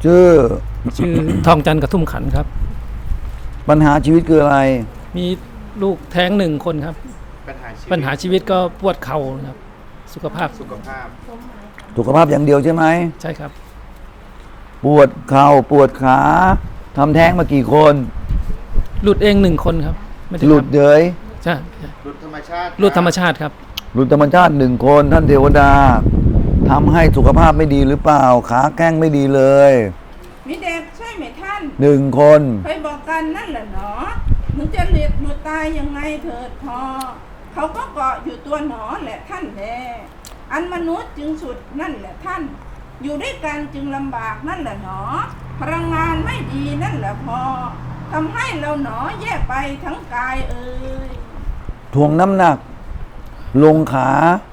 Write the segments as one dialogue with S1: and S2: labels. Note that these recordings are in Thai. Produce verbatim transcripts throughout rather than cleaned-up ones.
S1: ชื่อ
S2: ชื่อทองจันทร์กระทุ่มขันครับ
S1: ปัญหาชีวิตคืออะไร
S2: มีลูกแท้งหนึ่งคนครับ
S3: ปัญหาชีวิต
S2: ปัญหาชีวิตก็ปวดเข่าครับสุขภาพ
S3: สุขภาพ
S1: สุขภาพอย่างเดียวใช่ไหม
S2: ใช่ครับ
S1: ปวดเข่าปวดขาทำแท้งมากี่คน
S2: หลุดเองหนึ่งคนครับไม่ได้
S1: หลุด
S2: ทำ
S1: เดย
S2: ใช่
S3: หลุดธรรมชาติ
S2: หลุดธรรมชาติครับ
S1: หลุดธรรมชาติหนึ่งคนท่านเทวดาทำให้สุขภาพไม่ดีหรือเปล่าขาแข้งไม่ดีเลย
S4: มีเด็กใช่ไหมท่าน
S1: หนึ่งคน
S4: เคยบอกกันนั่นแหละเนาะมึงจะเลียดมือตายยังไงเถิดพอเขาก็เกาะอยู่ตัวหนอแหละท่านแลอันมนุษย์จึงสุดนั่นแหละท่าน อยู่ด้วยกันจึงลำบากนั่นแหละหนอพลังงานไม่ดีนั่นแหละพอทำให้เราหนอแย่ไปทั้งกายเอ่ย
S1: ถ่วงน้ำหนัก ลงขา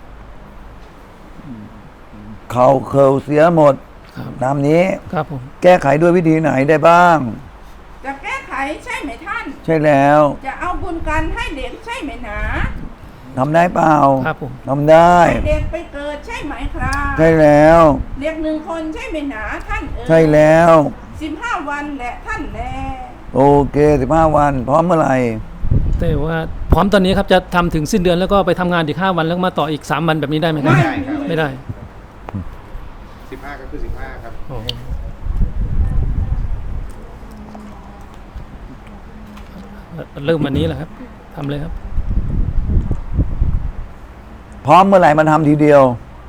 S1: เข่าเข่าเสียหมด
S2: ครับ
S1: น้ำนี้
S2: ครับผม
S1: แก้ไขด้วยวิธีไหนได้บ้าง
S4: จะแก้ไขใช่ไหมท่าน
S1: ใช่แล้ว
S4: จะเอาบุญกันให้เด็กใช่ไหมหนา
S1: ทำได้เปล่า
S2: ครับผม
S1: ทำได้
S4: ให้เด็กไปเกิดใช่ไหมครับ
S1: ใช่แล้ว
S4: เด็กหนึ่งคนใช่ไหมหนาท่านเอ่ย
S1: ใช่แล้ว
S4: สิบห้าวันแหละท่านแล
S1: โอเคสิบห้าวันพร้อมเมื่อไหร่
S2: แต่ว่าพร้อมตอนนี้ครับจะทำถึงสิ้นเดือนแล้วก็ไปทำงานอีกห้าวันแล้วมาต่ออีกสามวันแบบนี้ได้ไหมครับ
S3: ไม่ได้ครับ
S2: ไม่ได้
S3: สิบห้าก็คือสิบห้าครับ
S2: โอ้โหเริ่มวันนี้แหละครับทำเลยครับ
S1: พร้อมเมื่อไหร่มาทำทีเดียว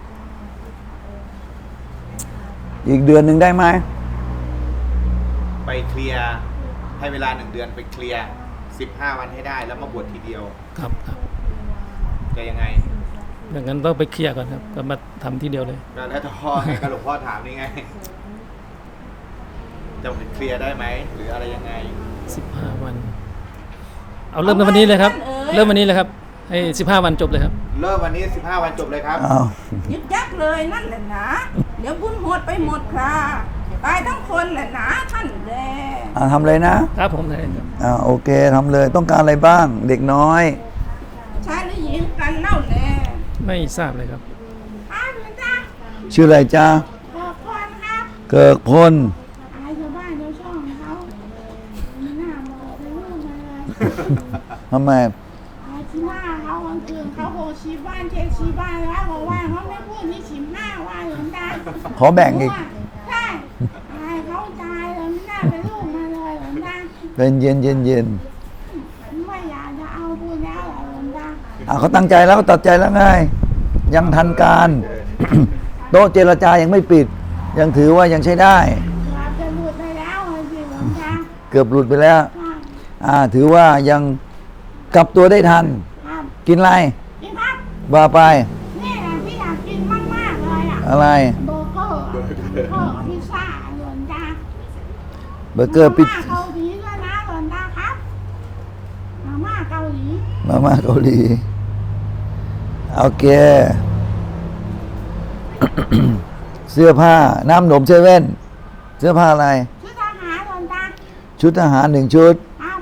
S1: อีกเดือนหนึ่งได้ไหม
S3: ไปเคลียร์ให้เวลาหนึ่งเดือนไปเคลียร์สิบห้าวันให้ได้แล้วมาบวชทีเดียว
S2: ครับครับ
S3: จะยังไง
S2: ดังนั้นต้องไปเคลียร์ก่อนครับก็มาทำทีเดียวเลย
S3: ก็แล้วแต่พ่อไงก็หลวงพ่อถามนี่ไงจะเคลียร์ได้ไหมหรืออะไรยังไง
S2: สิบห้าวัน เอาเริ่มในวันนี้เลยครับ เริ่มวันนี้เลยครับให้สิบห้าวันจบเลยครับ
S3: เริ่มวันนี้สิบห้าวันจบเลยครับ
S1: อ้าว
S4: ยึกยักเลยนั่นแหละนะเดี๋ยวบุญหมดไปหมดคราตายทั้งคนแหละนะท่านแล
S1: อ่าทำเลยนะครับ
S2: ผมได้ครับ
S1: อ่าโอเคทำเลยต้องการอะไรบ้าง เด็กน้อย
S4: ชายหรือหญิงกันเล่าแล
S2: ไม่ทราบเลยครับ
S4: อ้าวหลวงตา
S1: ชื่ออะไรจ๊ะ
S4: บอกก่อนครับ
S1: เกิกพล
S4: อายชาวบ้านชาวช่องเขาไม่น่าบอกเลยลูกมาเลย
S1: ทำไม
S4: อายที่หน้าเขาวันคืนเขาโหชีบ้านเช็คชีบ้านแล้วบอกว่าเขาไม่พูดนี่ชิมหน้าว่าหลวงตา
S1: ขอแบ่งอีก
S4: ใช่อายเขาตายเลยไม่น่าเป็นลูกมาเลยหลวงตา
S1: เป็นเย็นเย็นเย็น
S4: ไม่อยากจะเอาพูดแล้วเหรอหลวงตา
S1: อ่าเขาตั้งใจแล้วเขาตัดใจแล้วไง ยังทันการ โต๊ะเจรจายังไม่ปิด ยังถือว่ายังใช้ได้
S4: เราจะหลุดไปแล้วเลยสิหลวงตา
S1: เกือบหลุดไปแล้ว
S4: ครับ
S1: อ่า ถือว่ายังกลับตัวได้ทัน
S4: ครับ
S1: กินอะไร
S4: กินครับ
S1: ว่าไป
S4: นี่แหละที่อยากกินมากๆเลยอ่ะ
S1: อะไร
S4: เบอร์เกอร์เบอร์เกอร์พิซซ่าหลวงตา
S1: เบอร์เกอร์ปิด
S4: มาม่าเกาหลีด้วยนะหลวงตาครับมาม่าเกาหลี
S1: มาม่าเกาหลีโอเค เสื้อผ้า น้ำหนมเซเว่น เสื้อผ้าอะไร
S4: ชุดทหารหลวงตา
S1: ชุดทหารหนึ่งชุด
S4: ครับ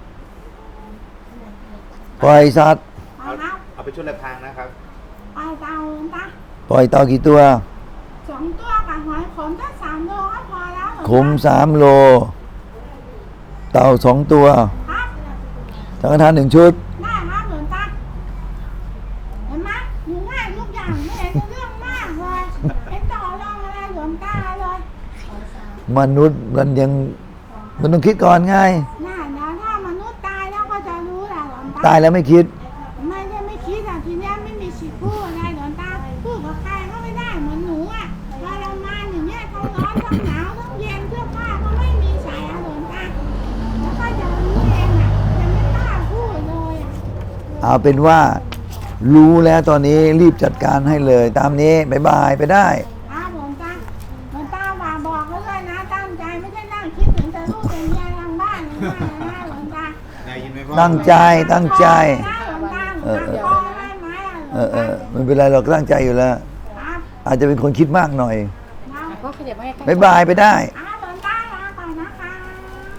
S1: ปล่อยสัตว์
S4: ไป
S3: เอา
S4: ครับ
S3: เอาไปชุดละทางนะครับ
S4: ไปเตาหลวงตา
S1: ปล่อยเต่ากี่ตัว
S4: สองตัวกับหอยขมตั้งสามโลก็พอแล้วหลวงตา
S1: ขมสามโล เต่าสองตัว
S4: ครับ
S1: สังฆทานหนึ่งชุด
S4: ได้ครับหลวงตาเห็นไหมหนูง่ายทุกอย่างไม่เห็นจะเรื่องมากเลยเป็นต่อรองอะไรหลวงตาเลย
S1: มนุษย์มันยังมันต้องคิดก่อนไง
S4: น่านะถ้ามนุษย์ตายแล้วก็จะรู้แหละหลวงตา
S1: ตายแล้วไม่คิด
S4: ไม่ได้ไม่คิดอ่ะทีเนี้ยไม่มีสิทธิ์พูดอะไรหลวงตาพูดกับใครก็ไม่ได้เหมือนหนูอ่ะทรมานอย่างเงี้ยทั้งร้อนทั้งหนาวทั้งเย็นเสื้อผ้าก็ไม่มีใส่อ่ะหลวงตาแล้วก็จะรู้เองอ่ะจะไม่กล้าพูดเลยอ่ะ
S1: เอาเป็นว่า รู้แล้วตอนนี้รีบจัดการให้เลย ตามนี้บายบายไปได้
S4: ครับหลวงตาหลวงตาฝากบอกเขาด้วยนะตั้งใจไม่ใช่นั่งคิดถึงแต่ลูกแต่เมียทางบ้านนะนะหลวงตา
S3: ได้ยินไหมพ่อ
S1: ตั้งใจตั้งใจ
S4: นะหลวงตา
S1: เออเออ
S4: ตั้งใจได้ไหมอ่ะหล
S1: เอ
S4: ว
S1: อง เอ
S4: ตา
S1: อไม่เป็นไรเราตั้งใจอยู่แล้ว
S4: ครับ
S1: อาจจะเป็นคนคิดมากหน่อย
S4: ครับ
S5: ก็ขยับมาใกล้ๆ
S1: บายบายไปได้
S4: ค